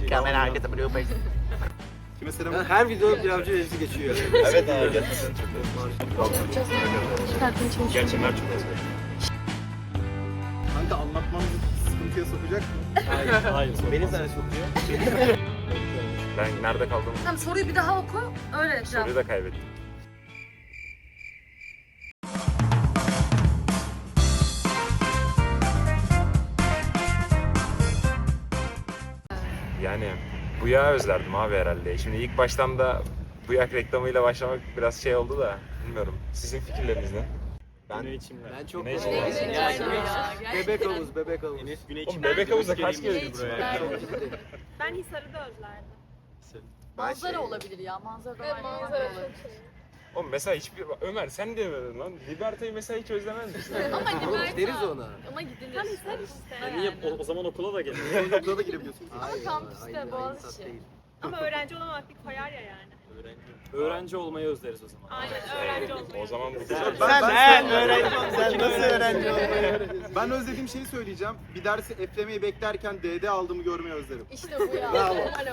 Kamera herkese blue face. Kime selam? Her video pilavcı reisi geçiyor. Evet abi gerçekten çok Gerçekten çok Kanka anlatmamızı sıkıntıya sokacak mı? Hayır. Beni sana sokuyor. Ben nerede kaldım? Tamam, soruyu bir daha oku, öyle cevap. Soruyu da kaybettim. Yani Buya özlerdim abi herhalde. Şimdi ilk baştan da Buyak reklamıyla başlamak biraz şey oldu da bilmiyorum. Sizin fikirleriniz ne? Ben çok Güneş Bebek Gerçekten. havuz, bebek havuz. Oğlum bebek havuzda kaç geldi buraya? Ben Hisar'ı da özlerdim. Manzara olabilir ya, manzara da Evet, aynı manzara olabilir. Oğlum mesela hiçbir... Ömer sen demedin lan. Liberta'yı mesela hiç özlemez misin? Ama Oğlum deriz ona. Ama gidilir. Tam Hisar işte. Niye o zaman okula da gelin? Okula da girebiliyorsun. Ama kampüste, Boğaziçi. Ama öğrenci olamamak bir koyar ya yani. Öğrenci olmayı özleriz o zaman. Aynen öğrenci olmayı. O zaman bu Sen öğrenci sen nasıl öğrenci olmayı Ben özlediğim şeyi söyleyeceğim. Bir dersi eflemeyi beklerken DD aldığımı görmeyi özlerim. İşte bu ya. Bravo.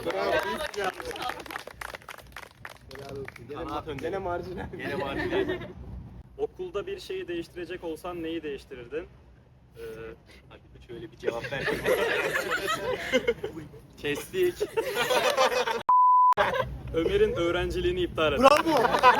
Gene marjinal. Gene marjinal. Okulda bir şeyi değiştirecek olsan neyi değiştirirdin? Hadi şöyle bir cevap ver. Kestik. Ömer'in öğrenciliğini iptal et. Bravo.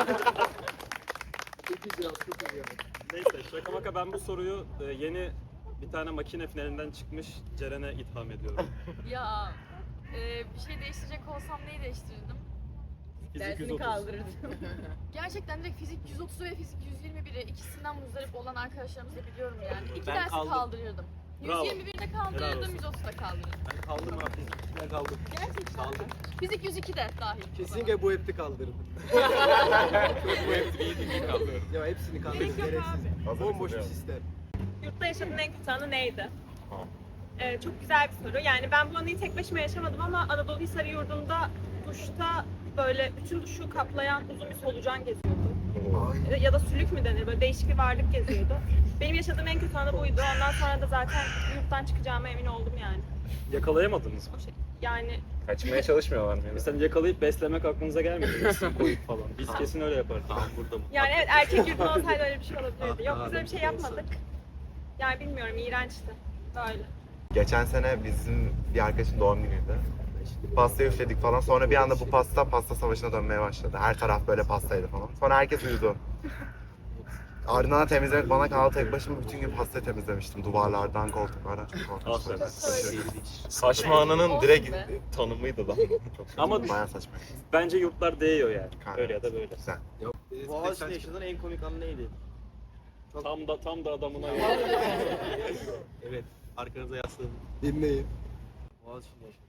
Neyse şaka maka ben bu soruyu yeni bir tane makine finalinden çıkmış Ceren'e itham ediyorum. Ya bir şey değiştirecek olsam neyi değiştirirdim? Fizik Dersini 130. kaldırırdım. Gerçekten direkt fizik 130 ve fizik 121'i ikisinden muzdarip olan arkadaşlarımızı biliyorum yani. İki Ben dersi kaldım. kaldırırdım. Bravo. 121'de Helal kaldırırdım, olsun. 130'da kaldırırdım. Ben kaldım abi. Ben kaldım. Gerçekten. Kaldım. Fizik 102 de dahil. Kesinlikle bu hepti kaldırdım. Bu hepsi bir kalıyor. Ya hepsini kaldırdım. Gerek yok Gereksiz. Bomboş bir sistem. Yurtta yaşadığın en kötü anı neydi? Çok güzel bir soru. Yani ben bu anıyı tek başıma yaşamadım ama Anadolu Hisarı yurdunda duşta böyle bütün duşu kaplayan uzun bir solucan geziyordu. Ya da sülük mü denir? Böyle değişik bir varlık geziyordu. Benim yaşadığım en kötü anı buydu. Ondan sonra da zaten yurttan çıkacağıma emin oldum yani. Yakalayamadınız mı? O şey, yani Kaçmaya çalışmıyorlar mı? Mesela yakalayıp beslemek aklınıza gelmedi mi? Sim koyup falan. Biz kesin öyle yapardık. Tamam burada mı? yani evet erkek yurdun olsaydı öyle bir şey olabilirdi. Yok biz öyle bir şey yapmadık. Yani bilmiyorum iğrençti. Böyle. Geçen sene bizim bir arkadaşın doğum günüydü. Pasta üfledik falan. Sonra bir anda bu pasta savaşına dönmeye başladı. Her taraf böyle pastaydı falan. Sonra herkes uyudu. Ardından temizlemek bana kaldı. Tek başıma bütün gün pasta temizlemiştim. Duvarlardan, koltuklardan çok korkmuştum. Saçma anının direkt Olsun be. tanımıydı lan. Ama Bayağı saçma. bence yurtlar değiyor yani. Kanka. Öyle ya da böyle. Güzel. Boğaziçi'nde yaşadığın en komik anı neydi? Tam da adamına göre. Evet. Arkanıza yaslanın. Dinleyin. Boğaziçi'nde yaşadım.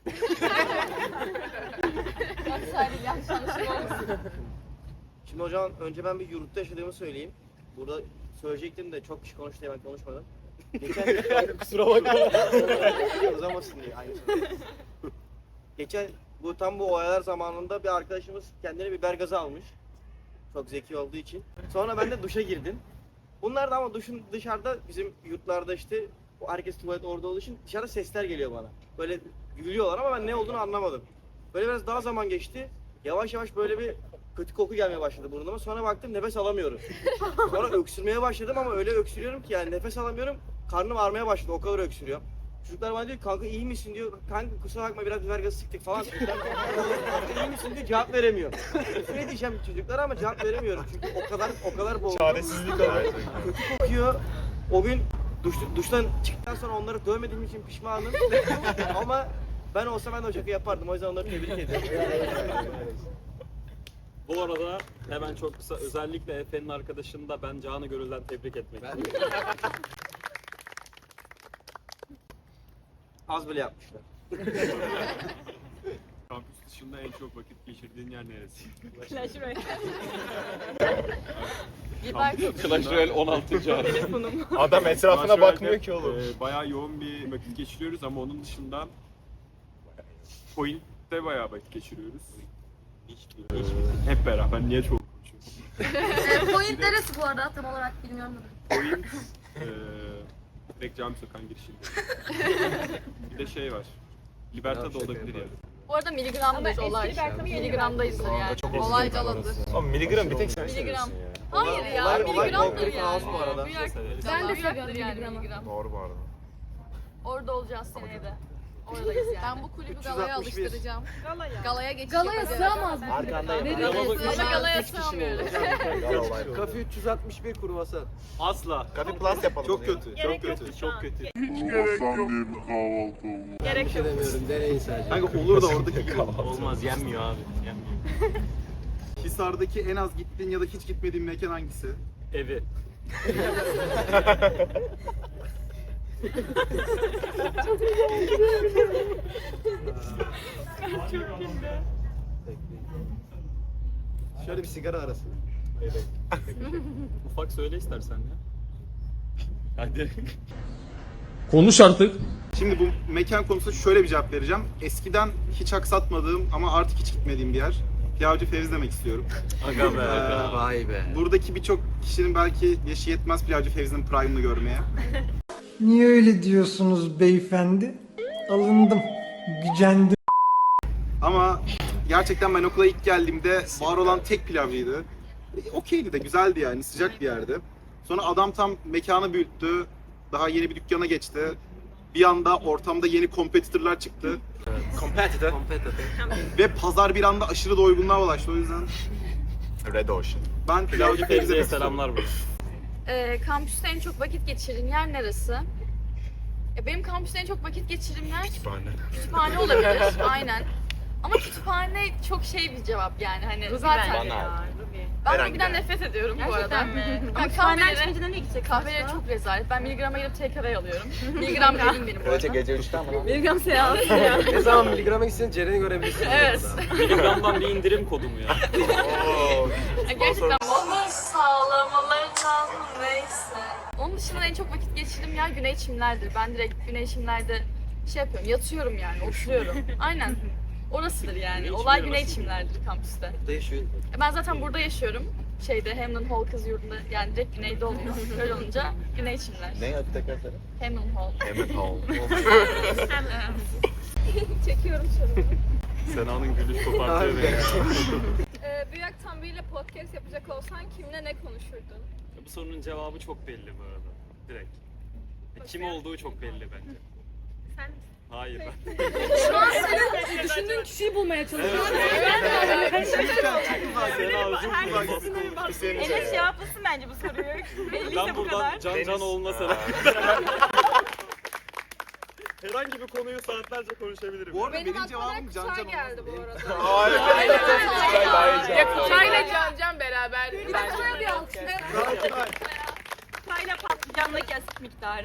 Sadece yanlış anlaşılma olmasın. Şimdi hocam önce ben bir yurtta yaşadığımı söyleyeyim. Burada söyleyecektim de çok kişi konuştu diye ben konuşmadım. Geçen kusura bakma. Uzamasın diye aynı şey. Geçen tam bu olaylar zamanında bir arkadaşımız kendine biber gazı almış. Çok zeki olduğu için. Sonra ben de duşa girdim. Bunlar da ama duşun dışarıda bizim yurtlarda işte herkes tuvalet orada olduğu için dışarıda sesler geliyor bana. Böyle gülüyorlar ama ben ne olduğunu anlamadım. Böyle biraz daha zaman geçti. Yavaş yavaş böyle bir kötü koku gelmeye başladı burnuma. Sonra baktım nefes alamıyorum. Sonra öksürmeye başladım ama öyle öksürüyorum ki yani nefes alamıyorum. Karnım ağrımaya başladı. O kadar öksürüyorum. Çocuklar bana diyor kanka iyi misin diyor. Kanka kusura bakma biraz biber gazı sıktık falan. İyi misin diyor cevap veremiyor. Ne diyeceğim çocuklara ama cevap veremiyorum. Çünkü o kadar boğuldum. Çaresizlik oluyor. Kötü kokuyor. O gün duştan çıktıktan sonra onları dövmediğim için pişmanım. Ama ben olsa ben de o şakayı yapardım. O yüzden onları tebrik ediyorum. Bu arada hemen çok kısa özellikle Efe'nin arkadaşını da ben canı gönülden tebrik etmek istiyorum. Az bile yapmışlar. Kampüs dışında en çok vakit geçirdiğin yer neresi? Clash Royale. Clash Royale 16. ay. Telefonum. Adam etrafına Clash bakmıyor Royale'de, ki oğlum. Bayağı yoğun bir vakit geçiriyoruz ama onun dışında Point'te bayağı vakit geçiriyoruz. Hep beraber. Niye çok konuşuyorum? Point neresi bu arada? Tam olarak bilmiyorum da. Point direkt Cami Sokak'ın girişinde. Bir de şey var. Liberta da olabilir ya. Bu arada miligramdayız Ama olay. eski Liberta'mı yeni Miligramdayızdır yani. Olay caladır. Oğlum miligram bir tek sen Miligram. seviyorsun ya. Hayır ya, olay miligramdır Concrete yani. House bu arada. Ben de seviyorum yani miligram. Doğru bu arada. Orada olacağız seneye de. Oradayız yani. Ben bu kulübü galaya 361. alıştıracağım. Galaya. Galaya geçiş Galaya yapacağım. sığamaz mı? Arkandayım. Ama galaya sığamıyoruz. Kafe 361 kruvasan. Asla. Kafe Plus yapalım. Çok bunu ya. kötü, çok Gerek kötü, yoktu şu çok an. kötü. Gerek yok. Demiyorum, deneyin sadece. Kanka olur da oradaki Olmaz, yenmiyor abi. Yenmiyor. Hisar'daki en az gittiğin ya da hiç gitmediğin mekan hangisi? Evi. Şöyle bir sigara arası. Ufak söyle istersen ya. Hadi. Konuş artık. Şimdi bu mekan konusunda şöyle bir cevap vereceğim. Eskiden hiç aksatmadığım ama artık hiç gitmediğim bir yer. Pilavcı Fevzi demek istiyorum. Aga be aga. Vay be. Buradaki birçok kişinin belki yaşı yetmez Pilavcı Fevzi'nin prime'ını görmeye. Niye öyle diyorsunuz beyefendi? Alındım, gücendim. Ama gerçekten ben okula ilk geldiğimde var olan tek pilavcıydı. Okeydi de, güzeldi yani, sıcak bir yerdi. Sonra adam tam mekanı büyüttü, daha yeni bir dükkana geçti. Bir anda ortamda yeni competitor'lar çıktı. Competitor. Ve pazar bir anda aşırı doygunluğa ulaştı. O yüzden Red Ocean. ben Pilavcı Fevzi'ye Fevzi'ye selamlar burada. Kampüste en çok vakit geçirdiğin yer neresi? Benim kampüste en çok vakit geçirdiğim yer Kütüphane. kütüphane olabilir. Aynen. Ama kütüphane çok şey bir cevap yani hani zaten ben Herhangi Ruby'den bir yer. nefret ediyorum bu arada. Gerçekten mi? Ben Kütüphaneden kahveleri, çıkınca nereye gidecek? kahveleri çok rezalet. Ben miligrama girip TKV alıyorum. Miligram evim benim bu arada. gece 3'te ama. Miligram seansı ya. Ne zaman miligrama gitsen Ceren'i görebilirsin. Evet. Miligramdan bir indirim kodumu ya. Gerçekten onu sağlamalarından neyse. Onun dışında en çok vakit geçirdiğim yer güney çimlerdir. Ben direkt güney çimlerde şey yapıyorum, yatıyorum yani, oturuyorum. Aynen. Orasıdır yani. Olay güney çimlerdir kampüste. Burada yaşıyor. Ben zaten burada yaşıyorum. Şeyde Hamlin Hall kız yurdunda yani direkt güneyde oluyor. Öyle olunca güney çimler. Ne adı tekrar söyle? Hamlin Hall. Emmett Hall. Çekiyorum sorumu. Sena'nın gülüş kopartıyor beni. Büyük Aktan biriyle podcast yapacak olsan kimle ne konuşurdun? Bu sorunun cevabı çok belli bu arada. Direkt. Kim olduğu çok belli bence. Sen Hayır ben. düşündüğün kişiyi bulmaya çalışıyorum. Enes cevaplasın bence bu soruyu. Belliyse Ben bu buradan kadar. Can olmasa herhangi bir konuyu saatlerce konuşabilirim. Bu arada Benim benim aklıma cevabım direkt Can Kutay Can geldi olmaz. bu arada. Ya Kutay'la Can beraber. Kutay'a bir alkış. Kutay'la patlıcanla kesik miktarı.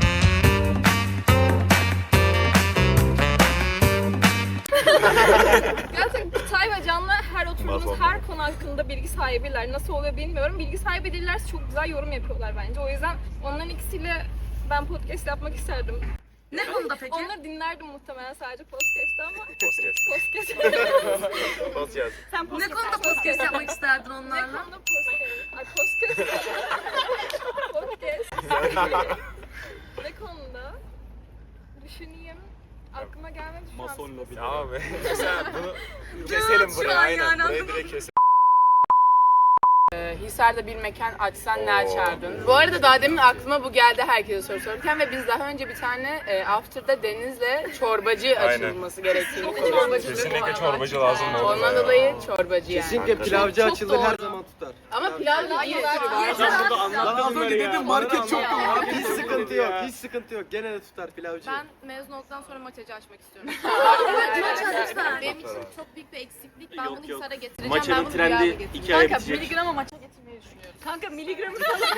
Gerçekten Kutay ve Can'la her oturduğumuz her konu hakkında bilgi sahibiler. Nasıl oluyor bilmiyorum. Bilgi sahibi değillerse çok güzel yorum yapıyorlar bence. O yüzden onların ikisiyle ben podcast yapmak isterdim. Ne konuda peki? Onları dinlerdim muhtemelen sadece podcast'ta ama Podcast. podcast. Sen Ne podcast konuda podcast yapmak isterdin Ne onlarla? konuda podcast? Ay podcast. Podcast. Ne konuda? Düşüneyim. Aklıma gelmedi şu an. Mason lobi. Abi sen bunu keselim Şu buraya an aynen. yani, Burayı anladın direkt keselim. Hisar'da bir mekan açsan ne açardın? Bu arada daha demin aklıma bu geldi herkese soru sorarken ve biz daha önce bir tane After'da Deniz'le çorbacı Aynen. açılması gerektiğini Kesinlikle çorbacı lazım oldu. Ondan dolayı çorbacı yani. Kesinlikle pilavcı Çok açılır her doğru. zaman tutar. Ama pilav da iyi Lan az önce dedim market çok Abi hiç sıkıntı yok, hiç sıkıntı yok. Gene de tutar pilavcı. Ben mezun olduktan sonra maçacı açmak istiyorum. Evet, Lütfen. Benim için çok büyük bir eksiklik. Ben Yok, bunu yok. Hisar'a getireceğim. Maçanın ben bunu Rüya'ya trendi getireceğim. 2 aya Kanka bitecek. miligrama maça getirmeyi düşünüyorum. Kanka miligramı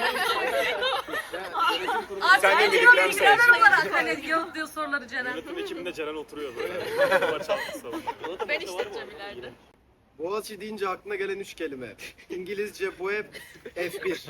Sen de miligram seç. olarak hani yaptığı soruları Ceren. Yönetim ekibinde Ceren oturuyor böyle. Maç hafta sonu. Ben işleteceğim ileride. Boğaziçi deyince aklına gelen 3 kelime. İngilizce bu hep F1.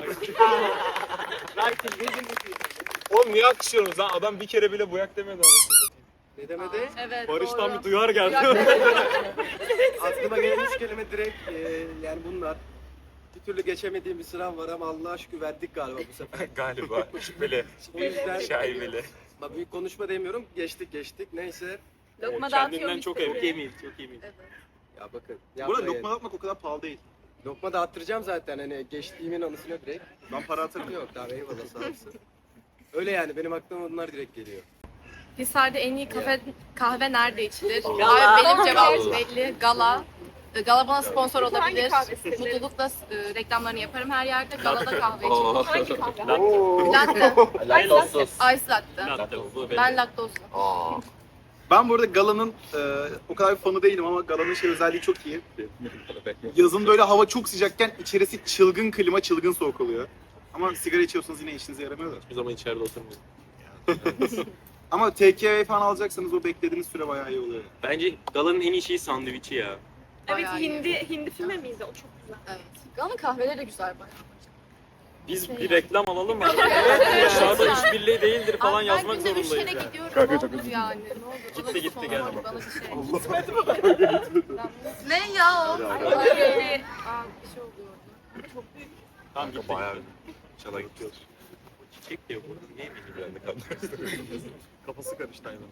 Oğlum niye alkışlıyorsunuz lan? Adam bir kere bile buyak demedi anasını. Ne demedi? Evet Barış'tan doğru. bir duyar geldi. Aklıma gelen 3 kelime direkt yani bunlar. Bir türlü geçemediğim bir sınav var ama Allah'a şükür verdik galiba bu sefer. Galiba şüpheli. O yüzden Şaibeli. bak büyük konuşma demiyorum. Geçtik. Neyse. Lokma dağıtıyor Kendinden çok emin. Çok emin, çok emin. Ya bakın. Burada yapmayın. lokma atmak o kadar pahalı değil. Lokma dağıttıracağım zaten hani geçtiğimin anısına direkt. Ben para atarım. Yok tamam eyvallah sağ olasın. Öyle yani benim aklıma bunlar direkt geliyor. Hisar'da en iyi kahve nerede içilir? Gala. Abi benim cevabım belli. Gala. Gala bana sponsor olabilir. Hangi kahve siteleri? Mutlulukla reklamlarını yaparım her yerde. Galada kahve içerim. Hangi kahve? Latte. Ice latte. Laktozlu Ben laktozlu. Aa. Ben bu arada Gala'nın o kadar bir fanı değilim ama Gala'nın şey özelliği çok iyi. Yazın böyle hava çok sıcakken içerisi çılgın klima, çılgın soğuk oluyor. Ama sigara içiyorsanız yine işinize yaramıyor da. Hiçbir zaman içeride oturmuyorum. Ama takeaway falan alacaksanız o beklediğiniz süre bayağı iyi oluyor. Bence Gala'nın en iyi şeyi sandviçi ya. Evet Bayağı iyi. hindi füme miydi? O çok güzel. Evet. Gala'nın kahveleri de güzel bayağı. Biz bir reklam alalım mı? Aşağıda işbirliği değildir falan Abi yazmak ben günde 3 zorundayız kere yani. gidiyorum. Ne olur yani. Ne olur. Bana bir gitti, sponsor, geldi. bana bir şey. Ne ya o? Ay, aa, bir şey oluyor orada. Çok büyük. Tamam gittik. Bayağı çala gidiyor. Çiçek diyor bu. Niye bilmiyorum. Kafası karıştı aynen.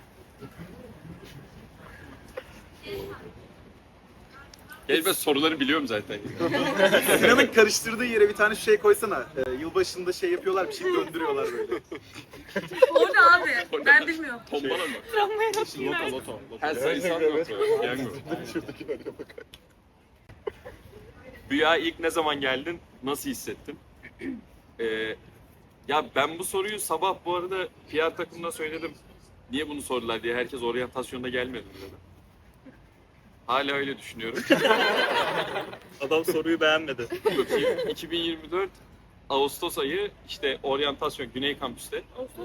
Gel ben soruları biliyorum zaten. Sinan'ın karıştırdığı yere bir tane şey koysana. Yılbaşında şey yapıyorlar, bir şey döndürüyorlar böyle. O ne abi? Ben bilmiyorum. Tombala mı? Loto loto. Her sayısal yok. Piyango. Rüya ilk ne zaman geldin? Nasıl hissettin? Ya ben bu soruyu sabah bu arada PR takımına söyledim. Niye bunu sordular diye. Herkes oryantasyonda gelmedi dedi. Hala öyle düşünüyorum. Adam soruyu beğenmedi. 2024 Ağustos ayı işte oryantasyon Güney Kampüs'te.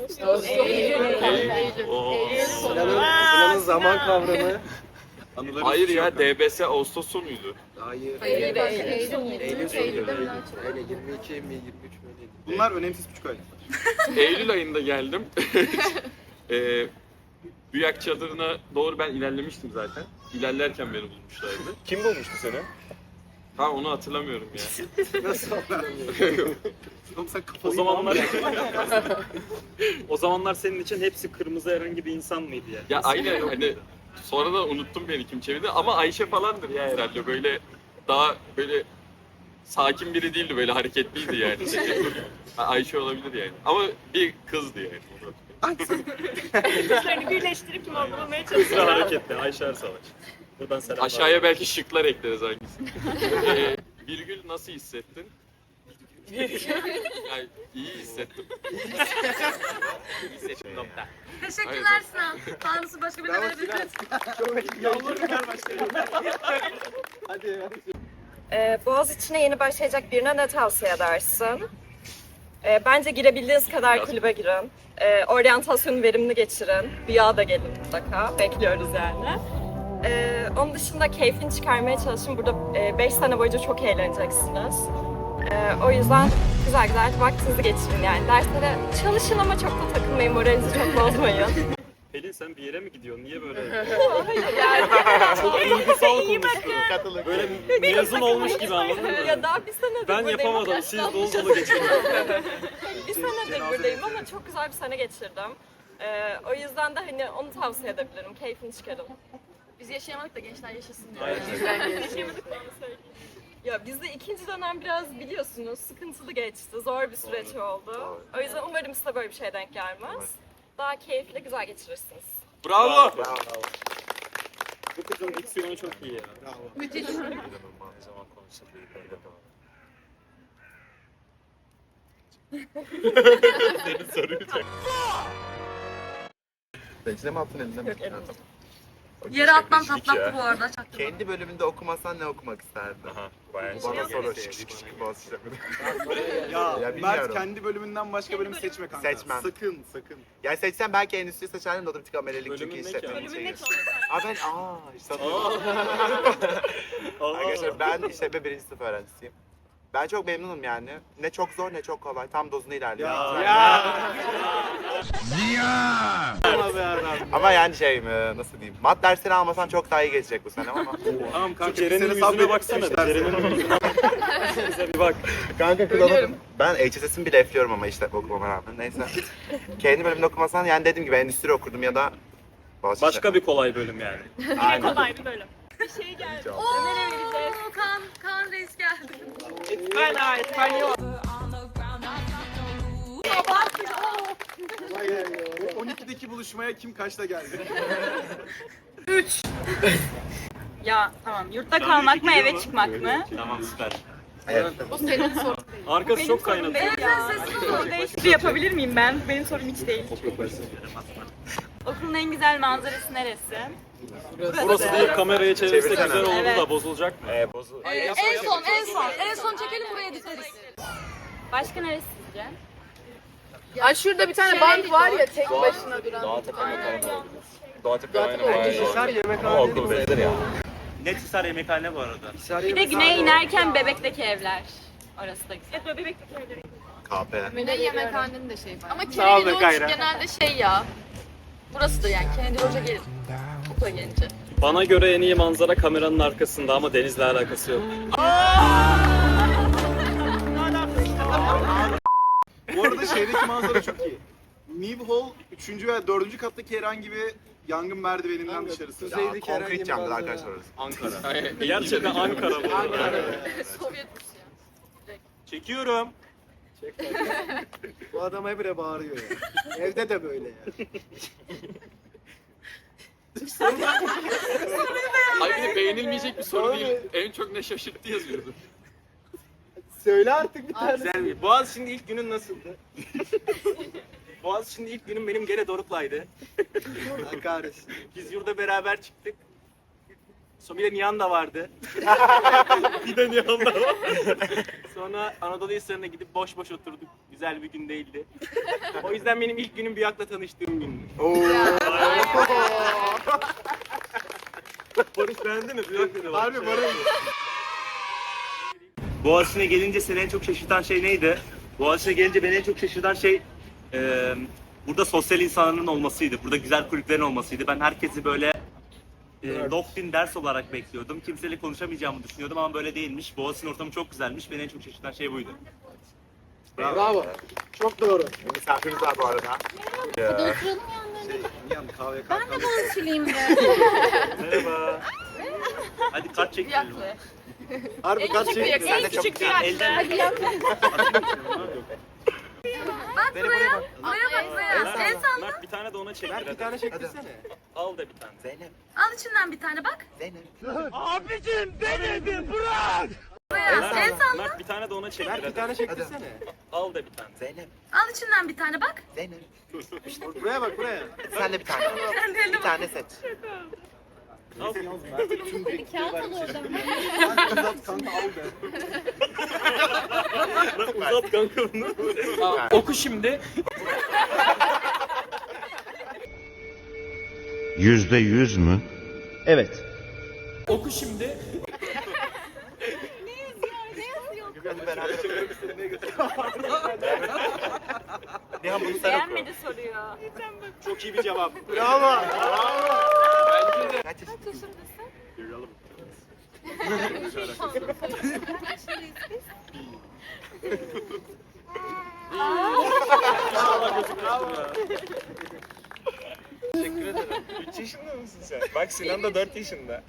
Sinan'ın zaman kavramı. Anıların Hayır suçu ya yok. DBS Ağustos sonuydu. Hayır. Eylül Eylül sonuydu. sonuydu. Öyle 22 mi 23 mi öyleydi. Bunlar önemsiz küçük aylar. Eylül ayında geldim. Büyak çadırına doğru ben ilerlemiştim zaten. İlerlerken beni bulmuşlardı. Kim bulmuştu seni? Ha onu hatırlamıyorum ya. Nasıl anlamıyorum? Oğlum sen kafayı O zamanlar senin için hepsi kırmızı herhangi bir insan mıydı ya? Ya aynen hani sonra da unuttum beni kim çevirdi ama Ayşe falandır ya herhalde böyle daha böyle sakin biri değildi böyle hareketliydi yani. Ha, Ayşe olabilir yani ama bir kızdı yani. Kuşlarını birleştirip kim bulmaya Sıra çalışıyor. hareketli. Ayşe Ersavaş. Buradan selam. Aşağıya belki şıklar ekleriz hangisini. Virgül nasıl hissettin? Yani iyi hissettim. İyi hissettim nokta. Teşekkürler Sinan. Tanrısı başka birine verebilir. Boğaziçi'ne yeni başlayacak birine ne tavsiye edersin? Bence girebildiğiniz kadar kulübe girin. Oryantasyonu verimli geçirin. Rüya da gelin mutlaka. Bekliyoruz yani. Onun dışında keyfini çıkarmaya çalışın. Burada 5 sene boyunca çok eğleneceksiniz. O yüzden güzel güzel vaktinizi geçirin yani. Derslere çalışın ama çok da takılmayın. Moralinizi çok bozmayın. Pelin sen bir yere mi gidiyorsun? Niye böyle? Çok duygusal konuştun. Böyle mezun olmuş gibi anladın mı? Ya daha bir senedir Ben buradayım yapamadım. ama- Siz dolu dolu geçin. Bir senedir buradayım ama çok güzel bir sene geçirdim. O yüzden de hani onu tavsiye edebilirim. Keyfini çıkarın. Biz yaşayamadık da gençler yaşasın diyor. Yaşayamadık mı onu söyleyeyim. Ya bizde ikinci dönem biraz biliyorsunuz sıkıntılı geçti. Zor bir süreç oldu. O yüzden umarım size böyle bir şey denk gelmez. Daha keyifli, güzel geçirirsiniz. Bravo. Bu kızın diksiyonu çok iyi ya. Müthiş. Ne zaman konuşulduğu belli de var. Senin soruyu Bekle mi attın elinden mi? Yere atmam Şık patlattı ya. bu arada. Çaktırma. Kendi bölümünde okumasan ne okumak isterdin? Aha, bayağı Bana şey. soru şık şık şık boğaz işlemedi. Ya, Ya Mert bilmiyorum. kendi bölümünden başka bölüm seçme kanka. Seçmem. Sakın sakın. Yani seçsem belki endüstri seçerdim de o da bir tık amelelik Bölümün çünkü ne ki işletmenin abi? Bölümün ne şeyi. ki onu söyle. İşte Arkadaşlar ben işletme 1. sınıf öğrencisiyim. Ben çok memnunum yani. Ne çok zor ne çok kolay. Tam dozunu ilerliyor. Ama yani nasıl diyeyim. Mat dersleri almasan çok daha iyi geçecek bu sene ama. Tamam kanka. Ceren'in bir sene yüzüne sabret, baksana. işler Ceren'in seni. yüzüne Bize bir bak. Kanka kırılamadım. Ben HSS'imi bile efliyorum ama işletme okumama rağmen. Neyse. Kendi bölümde okumasan yani dediğim gibi endüstri okurdum ya da Başka bir kolay bölüm yani. Yine kolay bir bölüm. Bir şey geldi. Ömer'e vereceğiz. Kaan Reis geldi. O 12'deki buluşmaya kim kaçta geldi? Ya tamam. Yurtta kalmak mı eve çıkmak mı? Tamam süper. O senin sorun. Arkası çok kaynadı. Soru değişikliği yapabilir miyim ben? Benim sorum hiç değil. Okulun en güzel manzarası neresi? Burası değil, kamerayı çevirsek Çevirsene. güzel olurdu Evet. da bozulacak mı? En son çekelim buraya dikeriz. Başka neresi sizce? Ay şurada bir tane bank var ya tek başına duran. Doğatepe aynen bayağı. Ama okul benzer ya. Net Hisar yemekhane bu arada. Bir de güneye inerken Bebek'teki evler. Orası da güzel. Evet, Bebek'teki evler. KP. Müne yemekhanenin de şeyi var. Ama Kennedy Lodge genelde şey ya. Burası da yani Kennedy Lodge'a gelir. Okula gelince. Bana göre en iyi manzara kameranın arkasında ama denizle alakası yok. Bu arada şehirdeki manzara çok iyi. New Hall 3. ve 4. kattaki herhangi bir yangın merdiveninden dışarısı. Ya, konkret camdır arkadaşlar orası. Ankara. Gerçekten Ankara bu arada. Sovyet Rusya. Çekiyorum. Bu adam habire bağırıyor ya. Evde de böyle ya. Ay bir de beğenilmeyecek bir soru değil. En çok ne şaşırttı yazıyordu. Söyle artık bir tane. Güzel. Boğaziçi'nin ilk günün nasıldı? Boğaziçi'nin ilk günüm benim gene Doruk'laydı. Kahretsin. Biz yurda beraber çıktık. Sonra bir de Nihan da vardı. Bir de Nihan da var. Sonra Anadolu Hisarı'na gidip boş boş oturduk. Güzel bir gün değildi. O yüzden benim ilk günüm Büyük'le tanıştığım gündü. Barış beğendi mi? Büyük dedi. Harbi var öyle. Boğaziçi'ne gelince seni en çok şaşırtan şey neydi? Boğaziçi'ne gelince beni en çok şaşırtan şey burada sosyal insanların olmasıydı. Burada güzel kulüplerin olmasıydı. Ben herkesi böyle locked-in ders olarak bekliyordum. Kimseyle konuşamayacağımı düşünüyordum ama böyle değilmiş. Boğaziçi'nin ortamı çok güzelmiş. Beni en çok şaşırtan şey buydu. Bravo. Çok doğru. Misafirimiz var bu arada. Nihan kahve Ben de Boğaziçi'liyim de. Merhaba. Hadi kart çekelim. Harbi kaç şey. En küçük bir yaşta. Hadi yap. Bak buraya. Buraya bak buraya. El salla. Mert bir tane de ona çektir. Mert bir tane çektirsene. Al da bir tane. Zeynep. Al içinden bir tane bak. Zeynep. Buraya. El salla. Mert bir tane de ona çektir. Mert bir tane çektirsene. Al da bir tane. Zeynep. Al içinden bir tane bak. Zeynep. Buraya bak buraya. Sen de bir tane. Bir tane seç. Al. Kağıt al oradan. Uzat kanka al be. Uzat kanka bunu. Oku şimdi. %100 mü? Evet. Oku şimdi. Hadi beraber Nihan bunu sen oku. Beğenmedi soruyu. Çok iyi bir cevap. Bravo. Kaç yaşındasın? Teşekkür ederim. 3 yaşında mısın sen? Bak Sinan da 4 yaşında.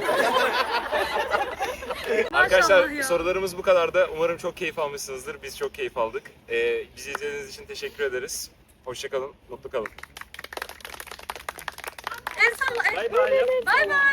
Arkadaşlar ya. sorularımız bu kadardı. Umarım çok keyif almışsınızdır. Biz çok keyif aldık. Bizi izlediğiniz için teşekkür ederiz. Hoşça kalın, mutlu kalın. El salla. Bay bay. Bay bay.